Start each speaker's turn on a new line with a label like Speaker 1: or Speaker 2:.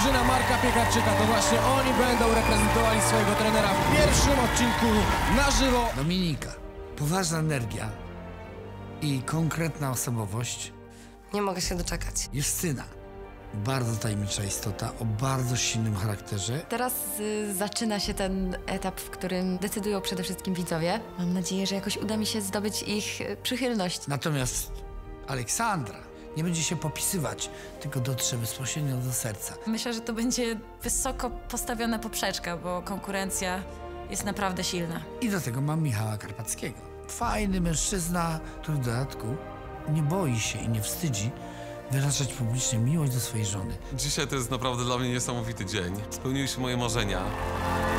Speaker 1: drużyna Marka Piekarczyka. To właśnie oni będą reprezentowali swojego trenera w pierwszym odcinku na żywo.
Speaker 2: Dominika, poważna energia i konkretna osobowość.
Speaker 3: Nie mogę się doczekać.
Speaker 2: Justyna, bardzo tajemnicza istota o bardzo silnym charakterze.
Speaker 4: Teraz zaczyna się ten etap, w którym decydują przede wszystkim widzowie. Mam nadzieję, że jakoś uda mi się zdobyć ich przychylność.
Speaker 2: Natomiast Aleksandra nie będzie się popisywać, tylko dotrze bezpośrednio do serca.
Speaker 5: Myślę, że to będzie wysoko postawiona poprzeczka, bo konkurencja jest naprawdę silna.
Speaker 2: I do tego mam Michała Karpackiego. Fajny mężczyzna, który w dodatku nie boi się i nie wstydzi wyrażać publicznie miłość do swojej żony.
Speaker 6: Dzisiaj to jest naprawdę dla mnie niesamowity dzień. Spełniły się moje marzenia.